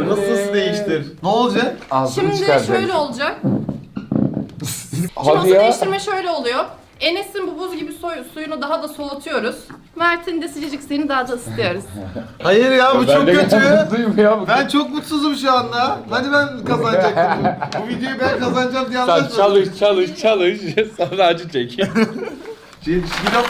Nasıl değiştir? Ne olacak? Ağzını Şimdi çıkaracaksın. şöyle olacak. Şimdi Hadi ısı ya. değiştirme şöyle oluyor. Enes'in bu buz gibi suyunu daha da soğutuyoruz. Mert'in de sıcacık suyunu daha da ısıtıyoruz. Hayır ya bu çok kötü. Mutluyum ya bu. Ben çok mutsuzum şu anda. Hani ben kazanacaktım. Bu videoyu ben kazanacağım diye Sen anlaşmadım. çalış. Sonra acı çek. Gidelim.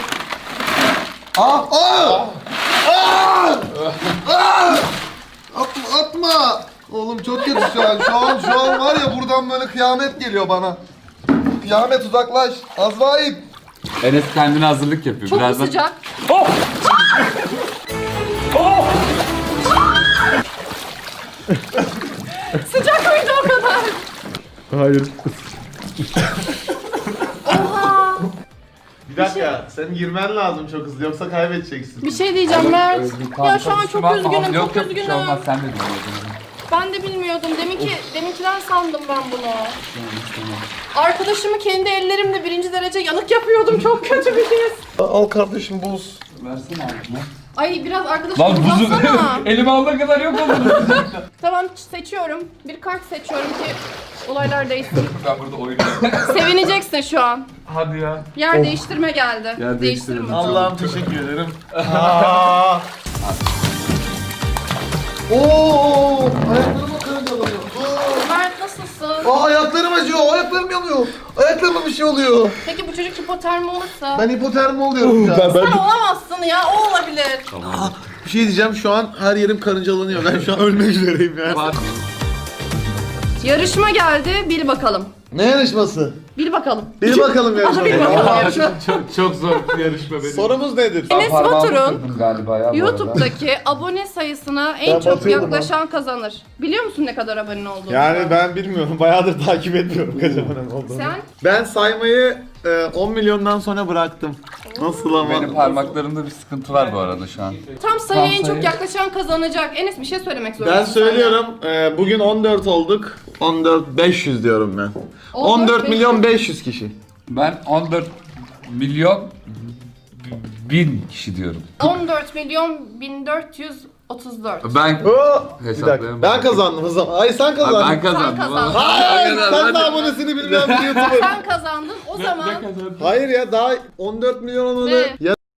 Aa! Aa! Aa! Aa! Atma! Oğlum çok kötü şu an. Şu an var ya buradan böyle kıyamet geliyor bana. Kıyamet uzaklaş. Azrail. Enes kendine hazırlık yapıyor. Çok Birazdan... mu sıcak? Oh! Oh! Sıcak mıydı o kadar? Hayır. Oha! Bir dakika. Senin girmen lazım çok hızlı yoksa kaybedeceksin. Bir şey diyeceğim Mert. Ya şu an çok üzgünüm, Yok çok yok bir şey üzgünüm. olmaz sen de bilmiyordun. Ben de bilmiyordum. Deminkinden sandım ben bunu. Arkadaşımı kendi ellerimle 1. derece yanık yapıyordum. Çok kötü bir his. Al kardeşim buz. Versene ağzına. Ay biraz arkadaşımı Lan buzu uzatsana. elime alana kadar yok oldu. Tamam seçiyorum. Bir kart seçiyorum ki olaylar değişsin. Ben burada oynuyorum. Sevineceksin şu an. Hadi ya. Yer değiştirme geldi. Yer Değiştirin değiştirme. bakalım. Allah'ım teşekkür ederim. Aa! Oo! Ayaklarıma karıncalanıyor. Mert nasılsın? Ayaklarım acıyor. Ayaklarım yanıyor. Ayaklarıma bir şey oluyor. Peki bu çocuk hipotermi olursa? Ben hipotermi oluyorum ya. Sen olamazsın ya, o olabilir. Bir şey diyeceğim, şu an her yerim karıncalanıyor. Ben şu an ölmek üzereyim yani. Yarışma geldi, bil bakalım. Ne yarışması? Bil bakalım. Bir bakalım yarışma. Bil bakalım yarışma. Çok zor bir yarışma benim. Sorumuz nedir? Enes Parmağımı Batur'un kırdım galiba ya bu arada. YouTube'daki abone sayısına en Ben çok batıyordum yaklaşan kazanır. Biliyor musun ne kadar abonen olduğunu? Yani ben bilmiyorum. Bayağıdır takip etmiyorum kaç abonem olduğunu. Sen? Ben saymayı 10 milyondan sonra bıraktım. Nasıl ama? Benim parmaklarımda bir sıkıntı var bu arada şu an. Tam sayıya en sayı. çok yaklaşan kazanacak. Enes bir şey söylemek zorundasın. Ben söylüyorum. Bugün 14 olduk. 14 500 diyorum ben. 14 milyon 500 kişi. Ben 14 milyon bin kişi diyorum. 14 milyon 1434. Ben Bir hesaplayamadım. dakika. Ben kazandım o zaman. Ay sen kazandın. Ben kazandım. Sen kazandın. Hayır, sen de abonesini bilmem bir YouTuber. Sen kazandın. O zaman Hayır ya daha 14 milyon olanı Ne?